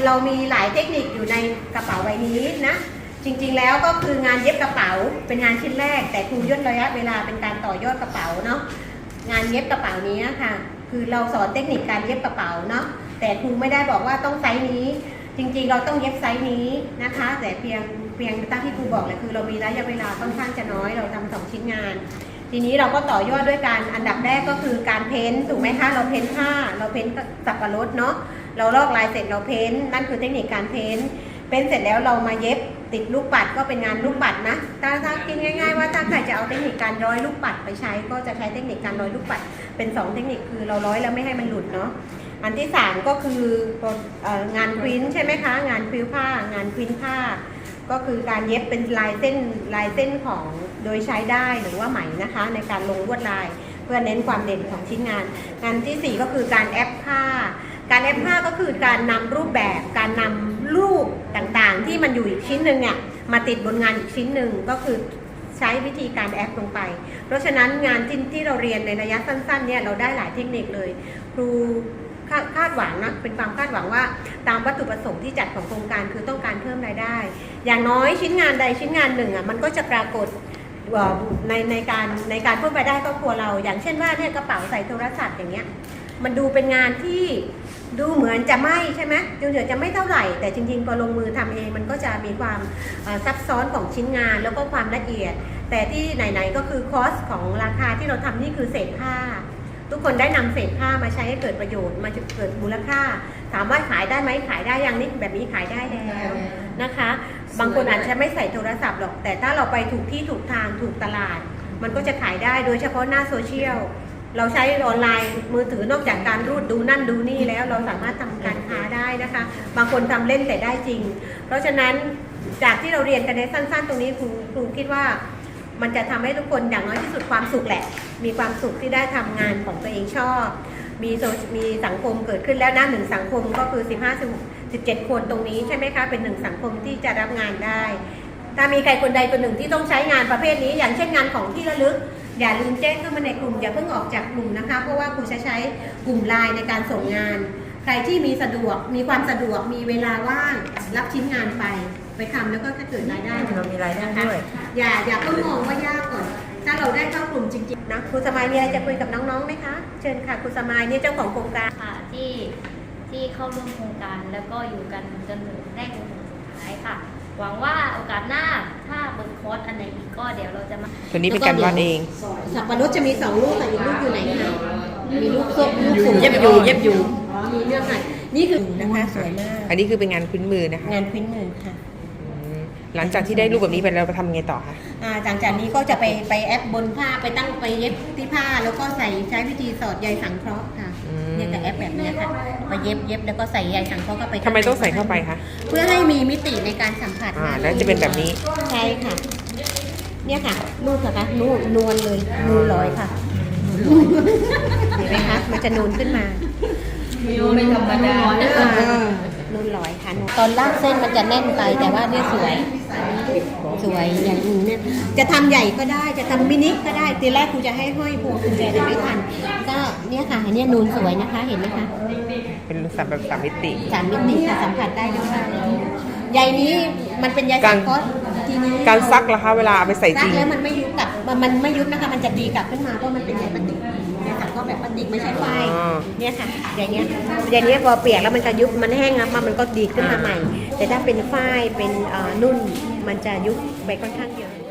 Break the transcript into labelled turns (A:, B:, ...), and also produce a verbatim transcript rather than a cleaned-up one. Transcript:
A: เรามีหลายเทคนิคอยู่ในกระเป๋าใบนี้นะจริงๆแล้วก็คืองานเย็บกระเป๋าเป็นงานชิ้นแรกแต่ครูย่นระยะเวลาเป็นการต่อยอดกระเป๋าเนาะงานเย็บกระเป๋านี้ค่ะคือเราสอนเทคนิคการเย็บกระเป๋าเนาะแต่ครูไม่ได้บอกว่าต้องไซส์นี้จริงๆเราต้องเย็บไซส์นี้นะคะแต่เพียงเพียงตั้งที่ครูบอกเลยคือเรามีระยะเวลาค่อนข้างจะน้อยเราทำสองชิ้นงานทีนี้เราก็ต่อยอดด้วยการอันดับแรกก็คือการเพ้นถูกไหมคะเราเพ้นผ้าเราเพ้นสับปะรดเนาะเราลอกลายเสร็จเราเพ้นนั่นคือเทคนิคการเพ้นเพ้นเสร็จแล้วเรามาเย็บติดลูกปัดก็เป็นงานลูกปัดนะถ้าถ้าคิดง่ายๆว่าถ้าใครจะเอาเทคนิคการร้อยลูกปัดไปใช้ก็จะใช้เทคนิคการร้อยลูกปัดเป็นสองเทคนิคคือเราร้อยแล้วไม่ให้มันหลุดเนาะอันที่สามก็คืองานพริ้นใช่ไหมคะงานพริ้วผ้างานพริ้นผ้าก็คือการเย็บเป็นลายเส้นลายเส้นของโดยใช้ได้หรือว่าไหมนะคะในการลงลวดลายเพื่อเน้นความเด่นของชิ้นงานงานที่สี่ก็คือการแอปผ้าการแอปผ้าก็คือการนำรูปแบบการนำรูปต่างๆที่มันอยู่อีกชิ้นหนึ่งเนี่ยมาติดบนงานอีกชิ้นหนึ่งก็คือใช้วิธีการแอปลงไปเพราะฉะนั้นงานที่ที่เราเรียนในระยะสั้นๆเนี่ยเราได้หลายเทคนิคเลยครูคาดหวังนะเป็นความคาดหวังว่าตามวัตถุประสงค์ที่จัดของโครงการคือต้องการเพิ่มรายได้อย่างน้อยชิ้นงานใดชิ้นงานหนึ่งอ่ะมันก็จะปรากฏในในการในการเพิ่มรายได้ครอบครัวเราอย่างเช่นว่าเนี่ยกระเป๋าใส่โทรศัพท์อย่างเงี้ยมันดูเป็นงานที่ดูเหมือนจะไม่ใช่ไหมดูเหมือนจะไม่เท่าไหร่แต่จริงๆพอลงมือทำเองมันก็จะมีความซับซ้อนของชิ้นงานแล้วก็ความละเอียดแต่ที่ไหนๆก็คือคอสของราคาที่เราทำนี่คือเศษผ้าทุกคนได้นำเศษผ้ามาใช้ให้เกิดประโยชน์มาเกิดมูลค่าถามว่าขายได้ไหมขายได้ยังนี่แบบนี้ขายได้แล้วนะคะบางคนอาจจะไม่ใส่โทรศัพท์หรอกแต่ถ้าเราไปถูกที่ถูกทางถูกตลาดมันก็จะขายได้โดยเฉพาะหน้าโซเชียลเราใช้ออนไลน์มือถือนอกจากการรูดดูนั่นดูนี่แล้วเราสามารถทำการค้าได้นะคะบางคนทำเล่นแต่ได้จริงเพราะฉะนั้นจากที่เราเรียนกันในสั้นๆตรงนี้ครูครูคิดว่ามันจะทำให้ทุกคนอย่างน้อยที่สุดความสุขแหละมีความสุขที่ได้ทำงานของตัวเองชอบมีโซมีสังคมเกิดขึ้นแล้วนะหนึ่งสังคมก็คือสิบห้า สิบเจ็ดคนตรงนี้ใช่ไหมคะเป็นหนึ่งสังคมที่จะรับงานได้ถ้ามีใครคนใดคนหนึ่งที่ต้องใช้งานประเภทนี้อย่างเช่นงานของที่ระลึกอย่าลืมแจ้งเข้ามาในกลุ่มอย่าเพิ่งออกจากกลุ่มนะคะเพราะว่าครูจะใช้กลุ่มไลน์ในการส่งงานใครที่มีสะดวกมีความสะดวกมีเวลาว่างรับชิ้นงานไปไปทำแล้วก็จะเกิดรายได้
B: เรามีรายได้ด้วย
A: อย่าอย่าเพิ่งมองว่ายากก่อนถ้าเราได้เข้ากลุ่มจริงๆนะครูสมัยมีอะไรจะคุยกับน้องๆไหมคะเชิญค่ะครูสมัยนี่เจ้าของโครงการ
C: ค่ะที่ที่เข้าร่วมโครงการแล้วก็อยู่กันจนถึงแรกจนถึงสุดท้ายค่ะหวังว่าโอกาสหน้าถ้าเปิดคอร์สอันไหนอีกก็เดี๋ยวเราจะมา
B: ตัวนี้เป็นการวาดเอง
A: สับปะรดจะมีสองลูกแต่อีกลูกอยู่ไหนคะมีลูกส้มลูกสูง
B: เย็บอยู่เย็บอยู่
A: อ๋อมีเรื่องไหนนี่คือนะคะสวยมาก
B: อันนี้คือเป็นงานพื้นมือนะคะ
A: งานพื้นมือค่ะ
B: หลังจากที่ได้รูปแบบนี้ไปเราไปทำไงต่อคะ
A: อ่าหลังจากนี้ก็จะไปไปแอปบนผ้าไปตั้งไปเย็บที่ผ้าแล้วก็ใส่ใช้วิธีสอดใยสังเคราะห์ค่ะเนี่ยกับแอปแบบนี้ค่ะไปเย็บเย็บแล้วก็ใส่ใยสังเคราะห์ก็ไป
B: ทำไมต้องใส่เข้าไปคะ
A: เพื่อให้มีมิติในการสัมผัส
B: อ่าแล้วจะเป็นแบบนี้
A: ใช่ค่ะเนี่ยค่ะนูนค่ะนูนนวลเลยนูนลอยค่ะเห็นไหมคะมันจะนูนขึ้นมา
C: ไม่ธรรมดา
A: นุ่นลอยค่ะตอนลากเส้นมันจะแน่นไปแต่ว่าเนี่ยสวยสวยอย่างนี้เนี่ยจะทำใหญ่ก็ได้จะทำมินิก็ได้ทีแรกครูจะให้ห้อยพวงกุญแจแต่ไม่ทันก็เนี่ยค่ะเนี่ยนูนสวยนะคะเห็นไหมคะ
B: เป็นสามแบบสามมิติ
A: สามมิติค่ะสัมผัสได้ด้วยใยนี้มันเป็นใยสังเคราะห์ทีนี้
B: การซักล่ะคะเวลาเอาไปใส่จริง
A: แล้วมันไม่ยุบกลับมันไม่ยุบนะคะมันจะดีกลับขึ้นมาเพราะมันเป็นใยพลาสติกเนี่ยค่ะก็แบบพลาสติกไม่ใช่ไฟเนี่ยค่ะอย่างเงี้ยอย่างเงี้ยพอเปียกแล้วมันจะยุบมันแห้งแล้วมันก็ดีขึ้นมาใหม่แต่ถ้าเป็นฝ้ายเป็นนุ่นมันจะยุบไปค่อนข้างเยอะ